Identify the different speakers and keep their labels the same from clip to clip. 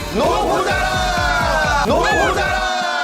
Speaker 1: 노부자라! 노부자라!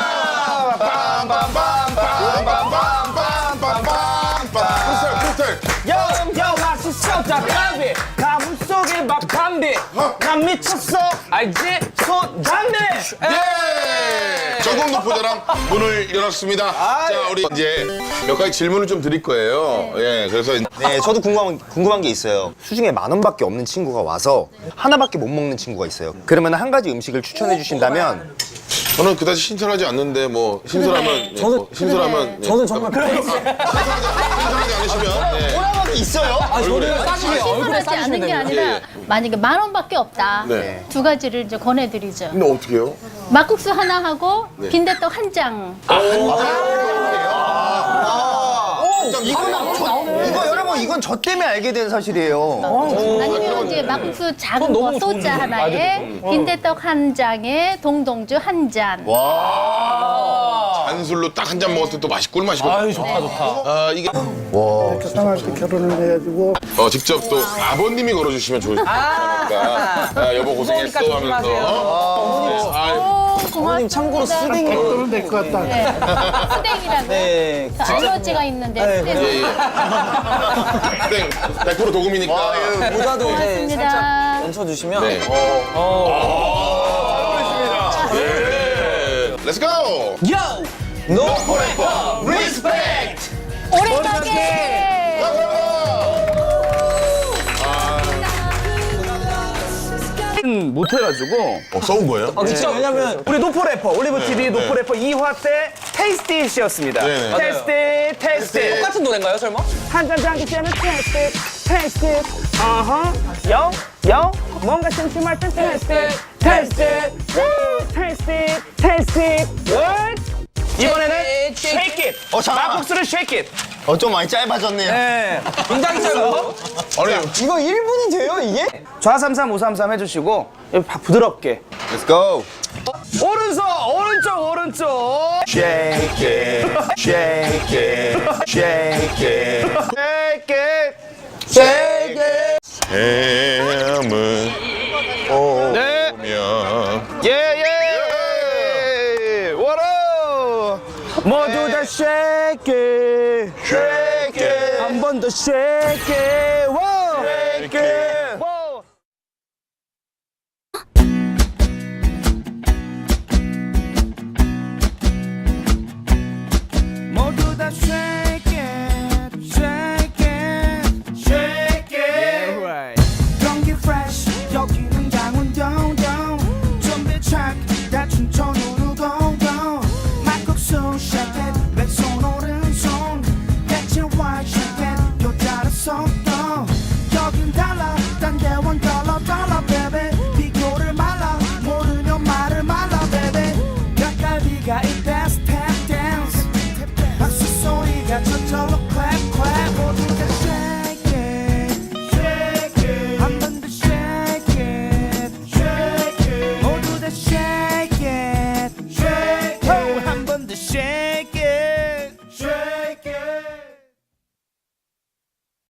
Speaker 2: 요 맛있어 닭갈비 가슴 속에 막 담비 난 미쳤어 알지? 손 담비
Speaker 1: 예! 전국 노포자랑 문을 열었습니다. 자, 우리 이제 몇 가지 질문을 좀 드릴 거예요. 예, 그래서
Speaker 3: 네, 저도 궁금한 게 있어요. 수중에 10,000원밖에 없는 친구가 와서 하나밖에 못 먹는 친구가 있어요. 그러면 한 가지 음식을 추천해 주신다면
Speaker 1: 저는 그다지 신선하지 않는데 뭐 신선하면 신선하면
Speaker 2: 저는 정말
Speaker 1: 신선하지 않으시면 네.
Speaker 3: 하나밖에 있어요?
Speaker 4: 신선하지 않은 게 아니라 만약에 10,000원밖에 없다.
Speaker 1: 네.
Speaker 4: 두 가지를 이제 권해드리죠.
Speaker 1: 근데 어떻게 해요?
Speaker 4: 막국수 하나 하고 빈대떡 한 장.
Speaker 3: 이거 여러분 이건 저 때문에 알게 된 사실이에요.
Speaker 4: 아니면 이제 막국수 작은 거 소자 하나에 빈대떡 한 장에 동동주 한 잔.
Speaker 1: 단술로 딱 한 잔 먹을 때 또 맛이 꿀맛이거든요.
Speaker 2: 아유 좋다 좋다
Speaker 1: 아, 이게
Speaker 5: 딸한테 결혼을 해가지고
Speaker 1: 직접 또 아버님이 걸어주시면 좋을 것 같으니까 아, 여보 고생했어 하면서
Speaker 4: 어머님 참고로 수댕이
Speaker 5: 결혼은 될 것 같다.
Speaker 4: 수댕이라고.
Speaker 2: 네.
Speaker 4: 알러지가 있는데 수댕.
Speaker 1: 예, 예. 땡 100% 도금이니까
Speaker 2: 모자도 이제
Speaker 4: 고맙습니다.
Speaker 2: 얹혀주시면
Speaker 1: 네. 예. 렛츠 고!
Speaker 2: 요! 노 포레퍼 리스펙트!
Speaker 4: 오래 가게.
Speaker 6: 못해가지고
Speaker 1: 써온 거예요?
Speaker 2: 진짜 왜냐면
Speaker 6: 우리 노포래퍼 올리브TV 노포래퍼 2화 때 테이스티시였습니다.
Speaker 1: 네.
Speaker 6: 테이스티
Speaker 2: 똑같은 노래인가요 설마?
Speaker 6: 한잔 장기 때는 테이스티 요 뭔가 심심할 땐 테이스티 이번에는 shake it 막국수를 shake it.
Speaker 3: 좀 많이 짧아졌네요.
Speaker 6: 네.
Speaker 2: 굉장히 짧아요.
Speaker 1: 아니
Speaker 2: 이거 1분이 돼요 이게?
Speaker 6: 좌삼삼 우삼삼 해주시고 여기 부드럽게
Speaker 3: Let's go.
Speaker 6: 오른쪽 shake it shake it shake it shake it
Speaker 1: 뱀을
Speaker 6: 네.
Speaker 1: 오면
Speaker 6: 예예 워러 모두 다 shake it
Speaker 1: shake it
Speaker 6: 한 번 더 shake it 워 shake it